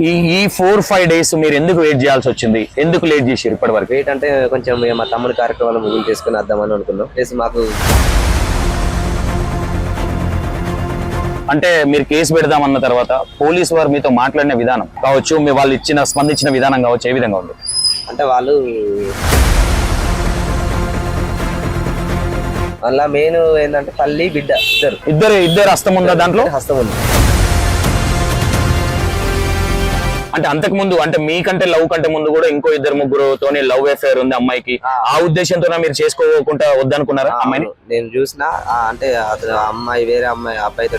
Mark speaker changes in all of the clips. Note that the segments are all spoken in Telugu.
Speaker 1: ఈ 4-5 డేస్ మీరు ఎందుకు వెయిట్ చేయాల్సి వచ్చింది? ఎందుకు లేట్ చేసారు ఇప్పటి వరకు?
Speaker 2: వెయిట్ అంటే కొంచెం మా తమ్ముడి కార్యక్రమాలు ముగింపు చేసుకుని వద్దామని అనుకున్నాం. ప్లస్ మాకు
Speaker 1: అంటే మీరు కేసు పెడదామన్న తర్వాత పోలీసు వారు మీతో మాట్లాడిన విధానం కావచ్చు, మీ వాళ్ళు స్పందించిన విధానం కావచ్చు, ఏ విధంగా ఉంది?
Speaker 2: అంటే వాళ్ళు అలా మెయిన్ ఏంటంటే తల్లి బిడ్డ
Speaker 1: ఇద్దరు హస్తం ఉందా దాంట్లో?
Speaker 2: హస్తం ఉంది.
Speaker 1: అంటే అంతకు ముందు, అంటే మీకంటే లవ్ కంటే ముందు కూడా ఇంకో 2-3తోనే లవ్ అఫేర్ ఉంది అమ్మాయికి. ఆ ఉద్దేశంతో మీరు చేసుకోకుండా వద్దనుకున్నారా అమ్మాయిని?
Speaker 2: నేను చూసిన అంటే అతను అమ్మాయి వేరే అమ్మాయి అబ్బాయితో.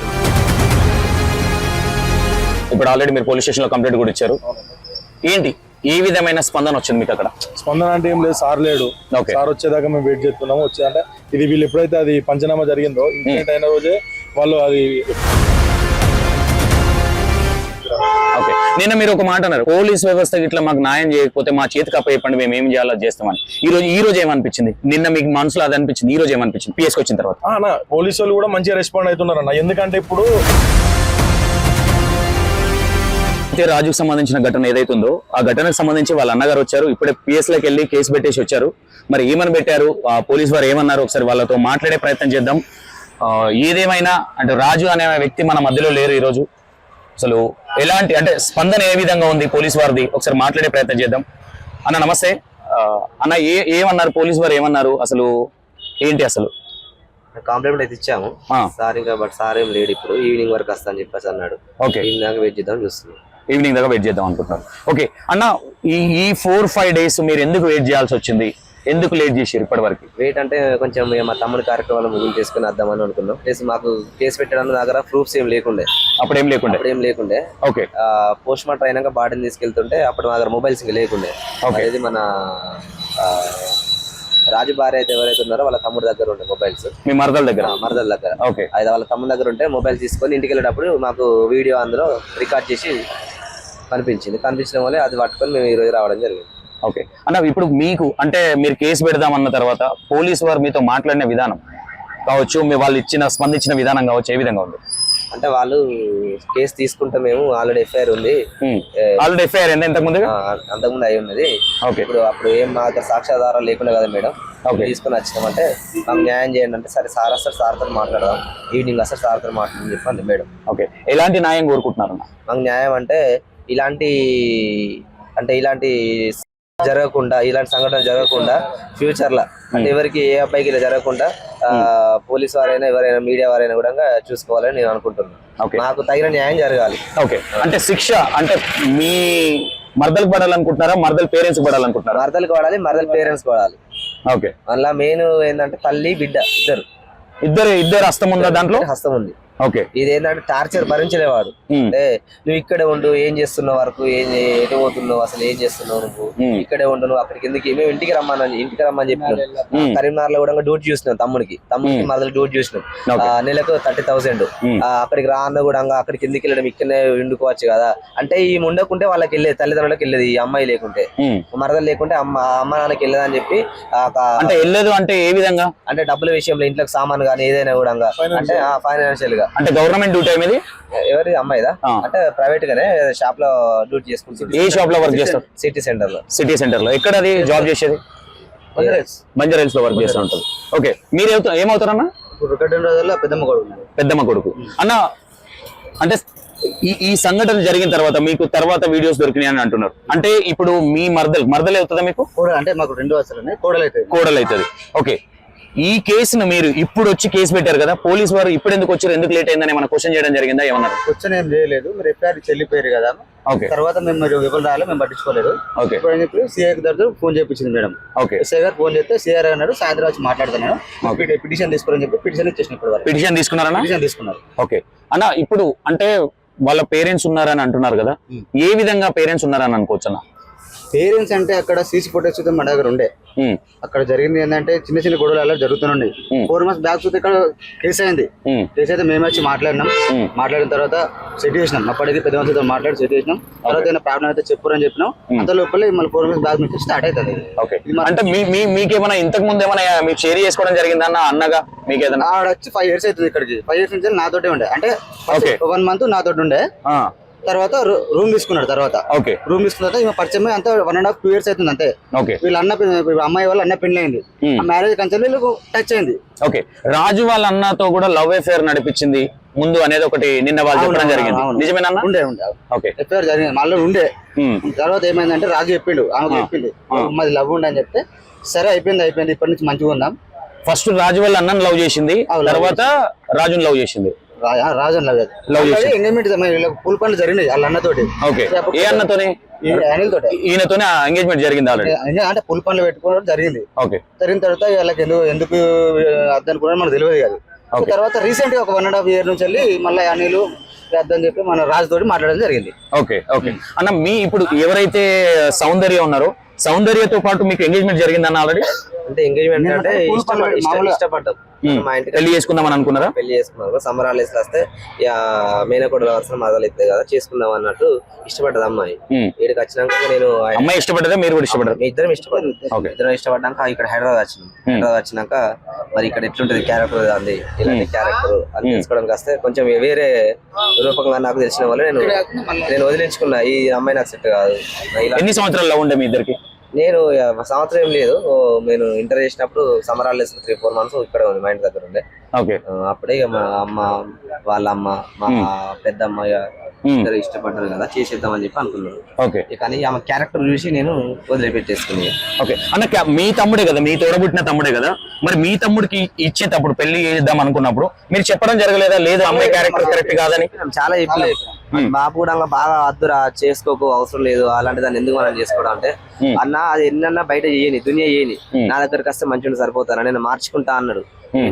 Speaker 1: ఇప్పుడు ఆల్రెడీ మీరు పోలీస్ స్టేషన్ లో కంప్లైంట్ కూడా ఇచ్చారు. ఏంటి ఏ విధమైన స్పందన వచ్చింది మీకు అక్కడ?
Speaker 3: స్పందన అంటే ఏం లేదు, సార్ లేడు. సార్ వచ్చేదాకా మేము వెయిట్ చేస్తున్నాము. వచ్చేదంటే ఇది వీళ్ళు ఎప్పుడైతే అది పంచనామా జరిగిందో ఇన్సిడెంట్ అయిన రోజే వాళ్ళు అది.
Speaker 1: ఓకే, నిన్న మీరు ఒక మాట అన్నారు, పోలీస్ వ్యవస్థ ఇట్లా మాకు న్యాయం చేయకపోతే మా చేతికి అప్పచెప్పండి, మేము ఏం చేయాలో చేస్తామని. ఈ రోజు ఏమనిపించింది? నిన్న మీకు మనసులో అది అనిపించింది, ఈ రోజు ఏమనిపించింది పిఎస్కి వచ్చిన తర్వాత?
Speaker 3: పోలీసు వాళ్ళు కూడా మంచిగా రెస్పాండ్ అవుతున్నారు అన్న. ఎందుకంటే ఇప్పుడు
Speaker 1: రాజుకు సంబంధించిన ఘటన ఏదైతుందో ఆ ఘటనకు సంబంధించి వాళ్ళ అన్నగారు వచ్చారు, ఇప్పుడే పిఎస్ లోకి వెళ్ళి కేసు పెట్టేసి వచ్చారు. మరి ఏమని పెట్టారు, ఆ పోలీస్ వారు ఏమన్నారు, ఒకసారి వాళ్ళతో మాట్లాడే ప్రయత్నం చేద్దాం. ఏదేమైనా అంటే రాజు అనే వ్యక్తి మన మధ్యలో లేరు ఈరోజు. అసలు ఎలాంటి అంటే స్పందన ఏ విధంగా ఉంది పోలీస్ వారిది, ఒకసారి మాట్లాడే ప్రయత్నం చేద్దాం. అన్న నమస్తే. అన్న ఏమన్నారు పోలీస్ వారు, ఏమన్నారు అసలు ఏంటి? అసలు
Speaker 2: కాంప్లిమెంట్ అయితే ఇచ్చాము సార్, ఇంకా బట్ సార్ ఏం లేడు, ఇప్పుడు ఈవినింగ్ వరకు వస్తా అని చెప్పేసి అన్నాడు.
Speaker 1: ఓకే,
Speaker 2: ఈవినింగ్ దాకా వెయిట్ చేద్దాం చూస్తున్నాం.
Speaker 1: ఈవినింగ్ దాకా వెయిట్ చేద్దాం అనుకుంటున్నారు. ఓకే అన్న, ఈ 4-5 డేస్ మీరు ఎందుకు వెయిట్ చేయాల్సి వచ్చింది? ఎందుకు లేట్ చేసారు ఇప్పటి వరకు?
Speaker 2: వెయిట్ అంటే కొంచెం మా తమ్ముడి కార్యక్రమాలు ముగింపు చేసుకుని వద్దామని అనుకున్నాం. ప్లస్ మాకు కేసు పెట్టడానికి దగ్గర ప్రూఫ్స్ ఏం లేకుండే.
Speaker 1: అప్పుడేం లేకుండే. ఓకే,
Speaker 2: పోస్ట్ మార్టం అయినాక బాడీని తీసుకెళ్తుంటే అప్పుడు మా దగ్గర మొబైల్స్ ఇంకా లేకుండే. అనేది మన రాజు భార్య అయితే ఎవరైతే ఉన్నారో వాళ్ళ తమ్ముడి దగ్గర ఉండే మొబైల్స్.
Speaker 1: మీ మరదల దగ్గర?
Speaker 2: ఓకే, అయితే వాళ్ళ తమ్ముడి దగ్గర ఉంటే మొబైల్ తీసుకొని ఇంటికి వెళ్ళేటప్పుడు మాకు వీడియో అందులో రికార్డ్ చేసి కనిపించిన వల్లే అది పట్టుకొని మేము ఈ రోజు రావడం జరిగింది.
Speaker 1: ఓకే అన్న, ఇప్పుడు మీకు అంటే మీరు కేసు పెడదామన్న తర్వాత పోలీసు వారు మీతో మాట్లాడిన విధానం కావచ్చు, మీ వాళ్ళు స్పందించిన విధానం కావచ్చు, ఏ విధంగా ఉంది?
Speaker 2: అంటే వాళ్ళు కేసు తీసుకుంటే మేము ఆల్రెడీ ఎఫ్ఐఆర్ ఉంది.
Speaker 1: ఆల్రెడీ ఎఫ్ఐఆర్ అంతకుముందు
Speaker 2: అయి ఉన్నది. అప్పుడు ఏం మా దగ్గర సాక్ష్యాధారాలు లేకుండా కదా మేడం, తీసుకుని వచ్చినామంటే మాకు న్యాయం చేయండి అంటే సరే సార్ వస్తారు, సార్తో మాట్లాడదాం, ఈవినింగ్ వస్తారు సార్తో మాట్లాడని చెప్పండి మేడం.
Speaker 1: ఓకే, ఎలాంటి న్యాయం కోరుకుంటున్నారు?
Speaker 2: మాకు న్యాయం అంటే ఇలాంటి జరగకుండా, ఇలాంటి సంఘటన జరగకుండా ఫ్యూచర్ లో అంటే ఎవరికి ఏ అబ్బాయికి ఇలా జరగకుండా పోలీస్ వారైనా ఎవరైనా మీడియా వారైనా కూడా చూసుకోవాలని నేను అనుకుంటున్నాను. నాకు తగిన న్యాయం జరగాలి.
Speaker 1: ఓకే, అంటే శిక్ష అంటే మీ మరదలకు పడాలనుకుంటున్నారా, మరదల పేరెంట్స్ పడాలనుకుంటున్నారా?
Speaker 2: మరదలకు పడాలి, మరదల పేరెంట్స్ పడాలి.
Speaker 1: ఓకే,
Speaker 2: అలా మెయిన్ ఏంటంటే తల్లి బిడ్డ
Speaker 1: ఇద్దరు హస్తం ఉందా దాంట్లో?
Speaker 2: హస్తం ఉంది.
Speaker 1: ఓకే,
Speaker 2: ఇదేంటంటే టార్చర్ భరించలేవాడు. అంటే నువ్వు ఇక్కడే ఉండు, ఏం చేస్తున్నావు వరకు, ఎటు పోతున్నావు, అసలు ఏం చేస్తున్నావు, నువ్వు ఇక్కడే ఉండు, నువ్వు అక్కడికి ఎందుకు, మేము ఇంటికి రమ్మని చెప్పినాం. కరీంనగర్ లో కూడా డ్యూటీ చూసినాం, తమ్ముడికి మరదలు డ్యూటీ చూసినాం. నెలకు 30,000. అక్కడికి రాన్న కూడా అక్కడికి ఎందుకు వెళ్ళడం, ఇక్కడనే వండుకోవచ్చు కదా అంటే ఈ ఉండకుంటే వాళ్ళకి వెళ్ళేది, తల్లిదండ్రులకు వెళ్ళేది. ఈ అమ్మాయి లేకుంటే, మరదలు లేకుంటే అమ్మ నాన్నకి వెళ్ళదని చెప్పి.
Speaker 1: అంటే వెళ్ళదు అంటే ఏ విధంగా?
Speaker 2: అంటే డబ్బుల విషయంలో, ఇంట్లోకి సామాన్ కానీ ఏదైనా కూడా అంటే ఫైనాన్షియల్ గా.
Speaker 1: అంటే గవర్నమెంట్ డ్యూటీ అనేది
Speaker 2: ఎవరి అమ్మాయిదా అంటే ప్రైవేట్ గానే షాప్ లో డ్యూటీ చేసుకుంటుంది.
Speaker 1: ఏ షాప్ లో వర్క్ చేస్తారు?
Speaker 2: సిటీ సెంటర్ లో. ఎక్కడ
Speaker 1: అది జాబ్ చేసేది? బంజారాహిల్స్ లో వర్క్ చేస్తూ ఉంటుంది. ఓకే, మీరు ఏమవుతారన్నా? పెద్దమ్మ కొడుకు అన్న. అంటే ఈ సంఘటన జరిగిన తర్వాత మీకు తర్వాత వీడియోస్ దొరికినాయి అని అంటున్నారు. అంటే ఇప్పుడు మీ మరదలు అవుతుందా మీకు?
Speaker 2: అంటే మాకు 2 వరుసలు
Speaker 1: కోడలు అవుతుంది. ఓకే, ఈ కేసును మీరు ఇప్పుడు వచ్చి కేసు పెట్టారు కదా, పోలీసు వారు ఇప్పుడు ఎందుకు వచ్చారు, ఎందుకు లేట్ అయిందని మనం క్వశ్చన్ చేయడం జరిగిందా? ఏమన్నారు?
Speaker 2: క్వశ్చన్ ఏం చేయలేదు, మీరు ఎఫ్ఐఆర్ చెల్లిపోయారు కదా. తర్వాత మేము ఎవరు రాలేదు, మేము పట్టించుకోలేదు. సిఐ దగ్గర ఫోన్ చేయించింది మేడం. ఎస్ఐ గారు ఫోన్ చేస్తే సిఆర్ అన్నాడు సాయంత్రం వచ్చి మాట్లాడుతున్నాను, పిటిషన్ తీసుకోరని చెప్పి పిటిషన్ ఇచ్చేసిన.
Speaker 1: పిటిషన్ తీసుకున్నారన్నా?
Speaker 2: పిటిషన్ తీసుకున్నారు.
Speaker 1: ఓకే అన్న, ఇప్పుడు అంటే వాళ్ళ పేరెంట్స్ ఉన్నారని అంటున్నారు కదా, ఏ విధంగా పేరెంట్స్ ఉన్నారని అనుకోవచ్చు అన్న?
Speaker 2: పేరెంట్స్ అంటే అక్కడ సీసీ ఫుటేజ్ చూస్తే మన దగ్గర ఉండే. అక్కడ జరిగింది ఏంటంటే చిన్న చిన్న గొడవలు అలా జరుగుతున్నాయి. 4 months బ్యాక్ చూస్తే ఇక్కడ కేసు అయింది. కేసు అయితే మేము వచ్చి మాట్లాడినాం. మాట్లాడిన తర్వాత సెట్ చేసినాం. అప్పటికి పెద్ద మనుషులతో మాట్లాడి సెట్ చేసినాం. తర్వాత ఏదైనా ప్రాబ్లం అయితే చెప్పురని చెప్పినాం. అంత లోపల మళ్ళీ 4 months బ్యాక్ నుంచి స్టార్ట్ అవుతుంది.
Speaker 1: అంటే మీకేమైనా ఇంతకు ముందు ఏమైనా మీకు షేర్ చేసుకోవడం జరిగిందా అన్నగా? మీకు ఏదైనా
Speaker 2: ఆడ వచ్చి 5 years అవుతుంది. ఇక్కడికి 5 years నుంచి నాతోటే ఉండే. అంటే 1 month నాతోటి ఉండే.
Speaker 4: తర్వాత రూమ్ తీసుకున్నాడు. తర్వాత
Speaker 1: ఓకే
Speaker 4: రూమ్ తీసుకున్న తర్వాత ఈమె పరిచయం అంతా 1.5 2 years అవుతుంది అంతే.
Speaker 1: ఓకే
Speaker 4: వీళ్ళ అమ్మాయి వాళ్ళ అన్న పెళ్లి అయింది. ఆ మ్యారేజ్ కంచెల్ వీళ్ళకు టచ్ అయింది.
Speaker 1: ఓకే రాజు వాళ్ళ అన్నతో కూడా లవ్ అఫేర్ నడిపించింది ముందు అనేది ఒకటి నిన్న వాళ్ళు చెప్పడం జరిగింది, నిజమేనా?
Speaker 4: ఉండే
Speaker 1: ఓకే
Speaker 4: ఎఫ్ఐఆర్ జరిగింది మళ్ళీ ఉండే. తర్వాత ఏమైందంటే రాజు చెప్పిండు, ఆమెకు చెప్పిండు మాది లవ్ ఉండే అని చెప్తే సరే అయిపోయింది ఇప్పటి నుంచి మంచిగా ఉందాం.
Speaker 1: ఫస్ట్ రాజు వాళ్ళ అన్నను లవ్ చేసింది, తర్వాత రాజుని లవ్ చేసింది.
Speaker 4: రాజు లవ్ చేసి ఎంగేజ్మెంట్ పూల పనులు జరిగినాయి వాళ్ళ అన్నతోటి.
Speaker 1: ఓకే ఏ అన్నతోని?
Speaker 4: అనిల్ తోటి.
Speaker 1: ఈయనతోనే ఎంగేజ్మెంట్ జరిగింది ఆల్రెడీ.
Speaker 4: అంటే పూల పనులు పెట్టుకోవడం జరిగింది.
Speaker 1: ఓకే
Speaker 4: జరిగిన తర్వాత వాళ్ళకి ఎందుకు అర్థం కూడా మనకు తెలియదు కాదు. తర్వాత రీసెంట్ గా ఒక 1.5 year నుంచి వెళ్ళి మళ్ళీ అనిల్ అర్థం చెప్పి మన రాజు తోటి మాట్లాడడం జరిగింది.
Speaker 1: ఓకే ఓకే అన్న మీ ఇప్పుడు ఎవరైతే సౌందర్య ఉన్నారో సౌందర్యతో పాటు మీకు ఎంగేజ్మెంట్ జరిగిందన్న ఆల్రెడీ?
Speaker 2: అంటే ఎంగేజ్మెంట్ అంటే ఇష్టపడ్డాం. మా ఇంటికి
Speaker 1: పెళ్లి చేసుకుందామని అనుకున్నారా?
Speaker 2: పెళ్లి చేసుకున్నారు. సమ్మర్ హాలిడేస్ వస్తే మేనకోడల వర్షం మదలు ఇస్తాయి కదా చేసుకుందాం అన్నట్టు ఇష్టపడ్డది అమ్మాయి. ఇక్కడికి వచ్చినాక నేను
Speaker 1: అమ్మాయి ఇష్టపడ్డదా మీరు కూడా ఇష్టపడ్డారు?
Speaker 2: ఇద్దరం ఇష్టపడ్డాక ఇక్కడ హైదరాబాద్ వచ్చినాక మరి ఇక్కడ ఎట్లుంటది క్యారెక్టర్ అంది ఇలాంటి క్యారెక్టర్ అని తెలుసుకోవడానికి వస్తే కొంచెం వేరే రూపంగా నాకు తెలిసిన వాళ్ళు నేను వదిలించుకున్నా. ఈ అమ్మాయి నాకు సెట్ కాదు.
Speaker 1: ఎన్ని సంవత్సరాల్లో ఉండే మీ ఇద్దరికి?
Speaker 2: నేను సంవత్సరం ఏం లేదు, నేను ఇంటర్ చేసినప్పుడు సమ్మర్ హాలిడేస్ 3-4 months ఇక్కడ ఉంది మా ఇంటి దగ్గర ఉండే. అప్పుడే ఇక మా అమ్మ వాళ్ళ అమ్మ మా పెద్దమ్మ ఇద్దరు ఇష్టపడ్డారు కదా చేసేద్దామని చెప్పి అనుకున్నాను. కానీ ఆమె క్యారెక్టర్ చూసి నేను వదిలిపెట్టేసుకుని.
Speaker 1: ఓకే అన్న మీ తమ్ముడే కదా, మీ తోడబుట్టిన తమ్ముడే కదా, మరి మీ తమ్ముడికి ఇచ్చేటప్పుడు పెళ్లి చేద్దాం అనుకున్నప్పుడు మీరు చెప్పడం జరగలేదా లేదు అమ్మాయి క్యారెక్టర్ కరెక్ట్ కాదని?
Speaker 2: చాలా చెప్పలేదు. బాబు కూడా బాగా అద్దురా చేసుకోకు అవసరం లేదు అలాంటి దాన్ని ఎందుకు మనం చేసుకోవడం అంటే అన్న అది ఎన్నన్నా బయట చేయని దునియా చేయని నా దగ్గరకు వస్తే మంచిగా సరిపోతాను నేను మార్చుకుంటా అన్నాడు.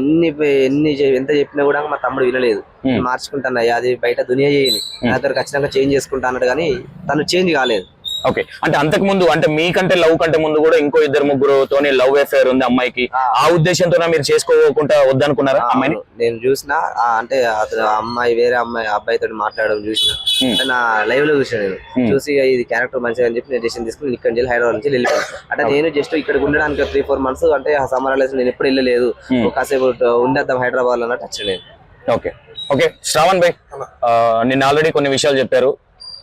Speaker 2: ఎంత చెప్పినా కూడా మా తమ్ముడు వినలేదు. మార్చుకుంటాను అది బయట దునియా చేయని నా దగ్గరకు వచ్చినాక చేంజ్ చేసుకుంటా అన్నాడు కానీ తను చేంజ్ కాలేదు.
Speaker 1: ఓకే అంటే అంతకు ముందు అంటే మీకంటే లవ్ కంటే ముందు కూడా ఇంకో 2-3 లవ్ అఫేర్ ఉంది అమ్మాయికి, ఆ ఉద్దేశంతో మీరు చేసుకోకుండా వద్దనుకున్నారా అమ్మాయిని?
Speaker 2: నేను చూసిన అంటే అతను అమ్మాయి వేరే అబ్బాయితో మాట్లాడడం చూసిన నా లైవ్ లో చూసిన. నేను చూసి ఇది క్యారెక్టర్ మంచిగా అని చెప్పి నేను డెసిషన్ తీసుకుని ఇక్కడ నుంచి హైదరాబాద్ నుంచి వెళ్ళిపోయాను. అంటే నేను జస్ట్ ఇక్కడ ఉండడానికి 3-4 months అంటే సమ్మర్ హాలిడేస్ నేను ఎప్పుడు వెళ్ళలేదు, కాసేపు ఉండేద్దాం హైదరాబాద్ అన్నట్టు వచ్చాను నేను.
Speaker 1: ఓకే ఓకే శ్రావణ్ భాయ్ నిన్న ఆల్రెడీ కొన్ని విషయాలు చెప్పారు,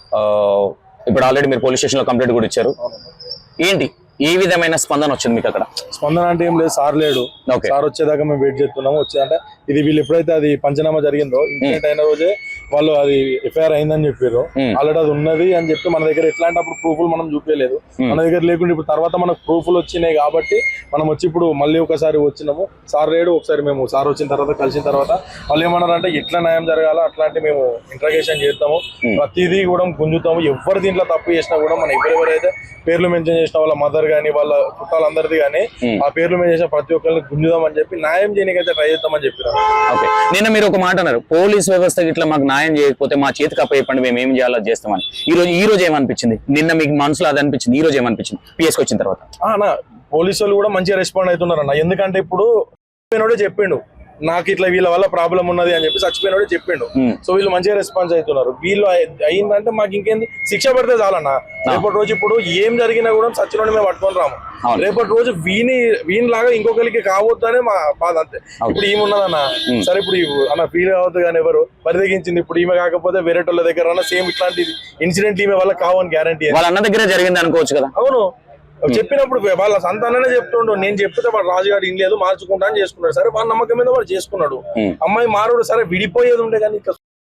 Speaker 1: ఇప్పుడు ఆల్రెడీ మీరు పోలీస్ స్టేషన్ లో కంప్లైంట్ కూడా ఇచ్చారు. ఏంటి ఏ విధమైన స్పందన వచ్చింది మీకు అక్కడ?
Speaker 3: స్పందన అంటే ఏం లేదు, సార్ లేడు. సార్ వచ్చేదాకా మేము వెయిట్ చేస్తున్నాము. వచ్చేదంటే ఇది వీళ్ళు ఎప్పుడైతే అది పంచనామా జరిగిందో ఇన్సిడెంట్ అయిన రోజే వాళ్ళు అది ఎఫ్ఐఆర్ అయిందని చెప్పారు. ఆల్రెడీ అది ఉన్నది అని చెప్పి మన దగ్గర ఎట్లాంటి అప్పుడు ప్రూఫ్లు మనం చూపించలేదు. మన దగ్గర లేకుండా ఇప్పుడు తర్వాత మనకు ప్రూఫ్లు వచ్చినాయి కాబట్టి మనం వచ్చి ఇప్పుడు మళ్ళీ ఒకసారి వచ్చినాము. సార్ లేడు. ఒకసారి మేము సార్ వచ్చిన తర్వాత కలిసిన తర్వాత వాళ్ళు ఏమన్నారంటే ఎట్లా న్యాయం జరగాలో అట్లాంటి మేము ఇంట్రాగేషన్ చేస్తాము, ప్రతిదీ కూడా గుంజుతాము. ఎవరు దీంట్లో తప్పు చేసినా కూడా మనం ఎవరెవరైతే పేర్లు మెన్షన్ చేసిన వాళ్ళ మదర్ గానీ వాళ్ళ చుట్టాలందరిది కానీ ఆ పేర్లు మెన్షన్ చేసిన ప్రతి ఒక్కరిని గుంజుదామని చెప్పి న్యాయం చేయడానికైతే ట్రై చేద్దామని చెప్పారు.
Speaker 1: ఓకే నిన్న మీరు ఒక మాట అన్నారు, పోలీస్ వ్యవస్థ ఇట్లా మాకు న్యాయం చేయకపోతే మా చేతికి అప్పయ్యప్పండి మేము ఏం చేయాలో చేస్తామని. ఈ రోజు ఏమనిపించింది? నిన్న మీకు మనసులో అది అనిపించింది, ఈ రోజు ఏమనిపించింది పిఎస్కి వచ్చిన తర్వాత?
Speaker 3: పోలీసు వాళ్ళు కూడా మంచిగా రెస్పాండ్ అవుతున్నారు అన్న. ఎందుకంటే ఇప్పుడు చెప్పిండు నాకు ఇట్లా వీళ్ళ వల్ల ప్రాబ్లం ఉన్నది అని చెప్పి చచ్చిపోయినోడే చెప్పిండు. సో వీళ్ళు మంచిగా రెస్పాన్స్ అవుతున్నారు. వీళ్ళు అయిందంటే మాకు ఇంకేంది శిక్ష పడితే చాలన్నా. రేపటి రోజు ఇప్పుడు ఏం జరిగినా కూడా సచ్చినోడి మేము పట్టుకొని రాము. రేపటి రోజు వీనిలాగా ఇంకొకరికి కావద్దని మా బాధ అంతే. ఇప్పుడు ఈమె ఉన్నదన్న సరే ఇప్పుడు అన్న ఫీల్ కావద్దు కానీ ఎవరు పరిదగించింది ఇప్పుడు ఈమె కాకపోతే వేరే వాళ్ళ దగ్గర సేమ్ ఇట్లాంటి ఇన్సిడెంట్ ఈమె వల్ల కావని గ్యారంటీ
Speaker 1: వాళ్ళ అన్న దగ్గర జరిగింది అనుకోవచ్చు కదా.
Speaker 3: అవును చెప్పినప్పుడు వాళ్ళ సంతాననే చెప్తుండు. నేను చెప్తే వాడు రాజుగారు ఇన్ లేదు మార్చుకుంటా అని చేసుకున్నాడు. సరే వాళ్ళ నమ్మకం మీద వాడు చేసుకున్నాడు. అమ్మాయి మారుడు సరే విడిపోయేది ఉండే కానీ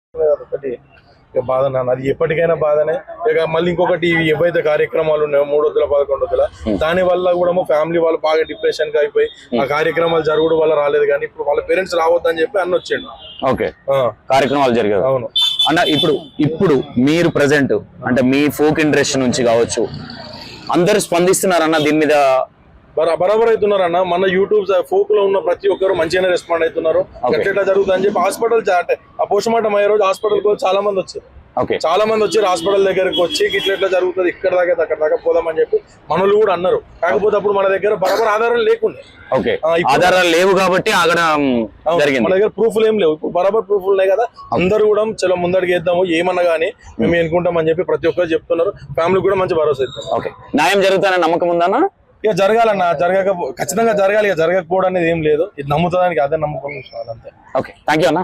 Speaker 3: ఒకటి బాధ నాన్న. అది ఎప్పటికైనా బాధనే. ఇక మళ్ళీ ఇంకొకటి ఏవైతే కార్యక్రమాలు ఉన్నాయో 3 11 దాని వల్ల కూడా ఫ్యామిలీ వాళ్ళు బాగా డిప్రెషన్ గా అయిపోయి ఆ కార్యక్రమాలు జరగడం వల్ల రాలేదు. కానీ ఇప్పుడు వాళ్ళ పేరెంట్స్ రావద్దని చెప్పి అన్న వచ్చాడు.
Speaker 1: ఓకే కార్యక్రమాలు జరిగాయి.
Speaker 3: అవును
Speaker 1: అన్న ఇప్పుడు మీరు ప్రెసెంట్ అంటే మీ ఫోక్ ఇండస్ట్రీ నుంచి కావచ్చు అందరు స్పందిస్తున్నారన్న దీని మీద?
Speaker 3: బరాబర్ అవుతున్నారన్న. మన యూట్యూబ్ ఫోక్ లో ఉన్న ప్రతి ఒక్కరు మంచిగానే రెస్పాండ్ అవుతున్నారు. ఎట్లా జరుగుతుంది అని చెప్పి హాస్పిటల్ అంటే ఆ పోస్ట్ మార్టం అయ్యే రోజు హాస్పిటల్ కు చాలా మంది వచ్చారు. చాలా మంది వచ్చి హాస్పిటల్ దగ్గరకు వచ్చి ఇట్లా జరుగుతుంది ఇక్కడ దాకా అక్కడ దాకా పోదామని చెప్పి మనలు కూడా అన్నారు. కాకపోతే అప్పుడు మన దగ్గర బరాబర్ ఆధారాలు లేకుండా
Speaker 1: ఆధారాలు లేవు కాబట్టి
Speaker 3: మన దగ్గర ప్రూఫ్లు ఏం లేవు. ఇప్పుడు బరాబర్ ప్రూఫ్లు ఉన్నాయి కదా అందరూ కూడా చాలా ముందడికి వేద్దాము ఏమన్నా కానీ మేము ఎన్నుకుంటాం అని చెప్పి ప్రతి ఒక్కరు చెప్తున్నారు. ఫ్యామిలీ కూడా మంచి భరోసా ఇస్తారు.
Speaker 1: ఓకే న్యాయం జరుగుతానని నమ్మకం ఉందన్నా?
Speaker 3: ఇక జరగాలన్నా ఖచ్చితంగా జరగాలి. ఇక జరగకపోవడం అనేది ఏం లేదు. ఇది నమ్ముతానికి అదే నమ్మకం అంతే.
Speaker 1: ఓకే థ్యాంక్ యూ అన్న.